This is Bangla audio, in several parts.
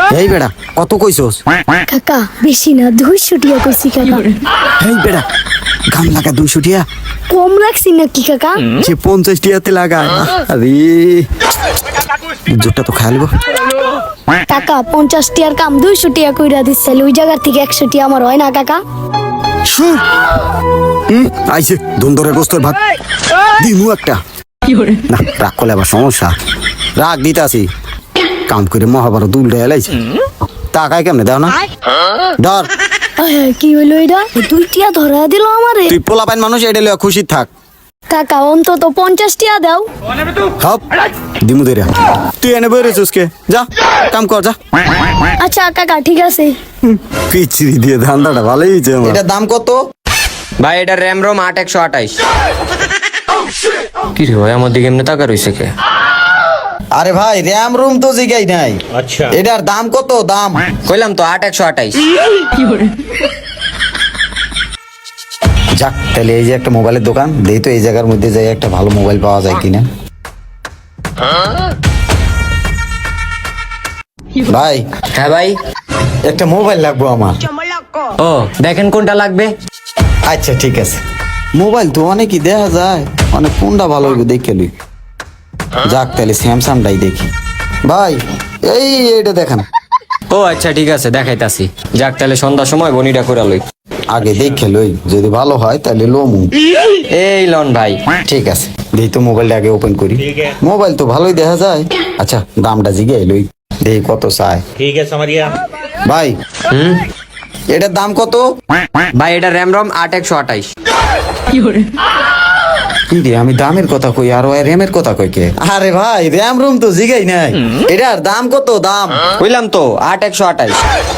এই বেড়া কত কইছস? কাকা বেশি না 200 টাকা কইছি কাকা। এই বেড়া গাম লাগা 200 টাকা কম রাখছি নাকি কাকা? যে 50 টাকাতে লাগায়। আরে জোরটা তো খাইলব। কাকা 50 টাকার কাম 200 টাকা কইরা দিছে, ওই জায়গা থেকে 100 টাকা আমার হয় না কাকা? আইছে দুন্দরে গোস্তর ভাত দিমু একটা। না রাগ করলে আবার সমস্যা। রাগ দিতাছি কাম করে মহাভারত উল্টে এলাইছে। টাকায় কেমনে দাও না ডর। কি হইলো এটা? 2 টাকা ধরা দিল আমারে। তুই পোলাপাইন মানুষ, এটা লইয়া খুশি থাক। কাকা অন্তত 50 টাকা দাও। হপ দিমু দেরা। তুই এনে বইরেছিস কে? যা কাম কর যা। আচ্ছা কাকা ঠিক আছে। পিচড়ি দিয়ে ধান্দাটা ভালোই হয়েছে আমার। এটার দাম কত? ভাই এটা র্যাম রোম 8128। কি রে ভাই আমার দিকে এমনি টাকা রইছে কে? আরে ভাই র্যাম রুম তো জিগাই নাই। আচ্ছা এটার দাম কত? দাম কইলাম তো 8128। যাক তাহলে এই যে একটা মোবাইলের দোকান দেই তো, এই জায়গার মধ্যে যাই একটা ভালো মোবাইল পাওয়া যায় কিনা। ভাই হ্যাঁ ভাই। একটা মোবাইল লাগবো আমার। ও দেখেন কোনটা লাগবে। আচ্ছা ঠিক আছে। মোবাইল তো অনেকই দেখা যায়, অনেক কোনটা ভালো হইব দেখে লই। যাক তাহলে স্যামসাংটাই দেখি। ভাই এই এটা দেখেন। ও আচ্ছা ঠিক আছে দেখাইতাছি। যাক তাহলে সন্ধ্যার সময় বনিটা করে লই। আগে দেখে লই, যদি ভালো হয় তাহলে লোমু। এই লন ভাই। ঠিক আছে দেই তো মোবাইলটা আগে ওপেন করি। মোবাইল তো ভালোই দেখা যায়। আচ্ছা দামটা জিগাই লই, দেই কত চাই। ठीक है समझिए ভাই হুম এটার দাম কত? ভাই এটা র্যাম রোম 8128। কি রে আমি দামের কথা কই আর ওই র্যামের কথা কই কে? আরে ভাই র্যাম রুম তো জিগাই নাই। এটার দাম কত? দাম কইলাম তো 8128।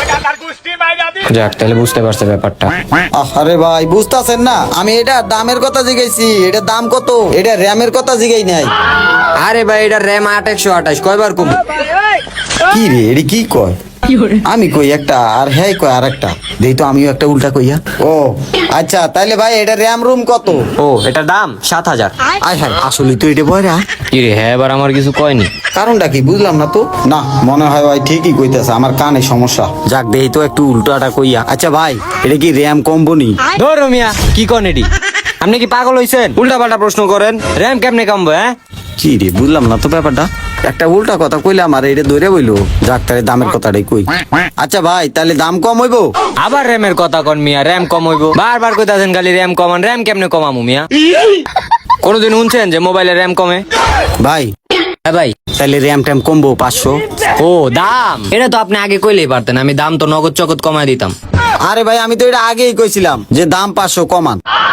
যাক তাহলে বুঝতে পারছে ব্যাপারটা। আরে ভাই বুঝতাছেন না, আমি এটার দামের কথা জিগাইছি। এটার দাম কত? এটা র্যামের কথা জিগাই নাই। আরে ভাই এটা র্যাম 8128 কয়বার কম। কি রে এডি কি কয়? আমি কই একটা আর হ্যাঁ কয় আর একটা। দেই তো আমিও একটা উল্টা কইয়া। ও আচ্ছা তাইলে ভাই এটা র্যাম রুম কত? ও এটা দাম 7000। আয় হায় আসলে তো এটা বয়রা। কি রে হ্যাঁ এবার আমার কিছু কয়নি। কারণটা কি বুঝলাম না তো। না মনে হয় ভাই ঠিকই কইতাছে, আমার কানে সমস্যা। যাক দেই তো একটু উল্টাটা কইয়া। আচ্ছা ভাই এটা কি র্যাম কমবনি? ধরো মিয়া কি কন এডি? আপনি কি পাগল হইছেন? উল্টা পাল্টা প্রশ্ন করেন। র্যাম কেমনে কমবে হ্যাঁ? কি রে বুঝলাম না তো ব্যাপারটা। একটা উল্টা কথা কইলাম আর এটা ধরে বইলো। যাক তাহলে দামের কথাটাই কই। আচ্ছা ভাই তাহলে দাম কম হইবো? আবার র্যামের কথা কন মিয়া, র্যাম কম হইব। বারবার কইতাছেন খালি র্যাম কমান। র্যাম কেমনে কমামু মিয়া? কোনদিন শুনছেন যে মোবাইলে র্যাম কমে? ভাই হ্যাঁ ভাই। তাহলে র্যাম ট্যাম কমবো 500? ও দাম এটা তো আপনি আগে কইলেই পারতেন, আমি দাম তো নগদ চগদ কমায় দিতাম। আরে ভাই আমি তো এটা আগেই কইছিলাম যে দাম 500 কমান।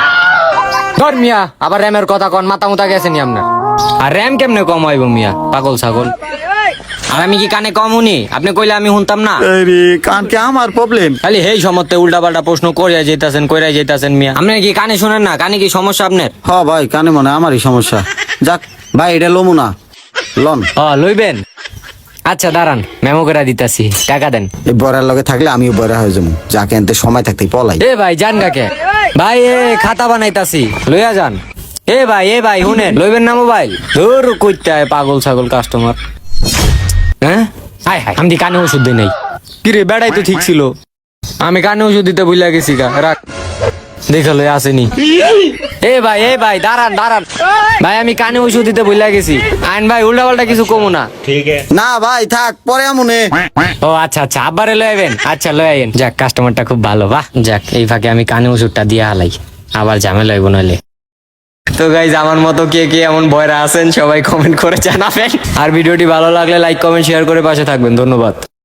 ধর মিয়া আবার র্যামের কথা কন, মাথা মুতা গেছে নি আপনার? আর র্যাম কেমনে কম হইব মিয়া, পাগল ছাগল? আর আমি কি কানে কম শুনি? আপনি কইলে আমি শুনতাম না? আরে কান কি আমার প্রবলেম? খালি হেই সমতে উল্টা পাল্টা প্রশ্ন করিয়া যাইতাছেন কইরা যাইতাছেন মিয়া। আপনি কি কানে শুনেন না? কানে কি সমস্যা আপনার? হ ভাই কানে মনে হয় আমারই সমস্যা। যাক ভাই এটা লমু না লন। লইবেন? আচ্ছা দাঁড়ান মেমো করে দিতাছি, টাকা দেন। এই বড়ার লগে থাকলে আমিও বড় হয়ে যাবো। যাকে আনতে সময় থাকতেই পলাই। এ ভাই যান কাকে ভাই, এ খাতা বানাইতাছি লইয়া যান। এ ভাই শুনেন, লইবেন না মোবাইল? ধর কইতে হয় পাগল ছাগল কাস্টমার। হ্যাঁ হাই হাই আমি কানে ওষুধ দিই নাই। কি রে বেড়াই তো ঠিক ছিল, আমি কানে ওষুধ দিতে ভুলে গেছি গা। রাখ দেখালো আসেনি। এ ভাই দাঁড়ান ভাই, আমি কানে ওষুধ দিতে ভুলে গেছি। আইন ভাই উল্টা পাল্টা কিছু কমু না। ठीक है না ভাই থাক পরে আমুনে। ও আচ্ছা আবারে লই আইবেন। আচ্ছা লই আইন। যাক কাস্টমারটা খুব ভালো। বাহ যাক এই ফাঁকে আমি কানে ওষুধটা দিয়ে হালাই, আবার ঝামেলা হইব নইলে। তো গাইজ আমার মতো কে কে এমন ভয়রা আছেন সবাই কমেন্ট করে জানাবেন। আর ভিডিওটি ভালো লাগলে লাইক কমেন্ট শেয়ার করে পাশে থাকবেন। ধন্যবাদ।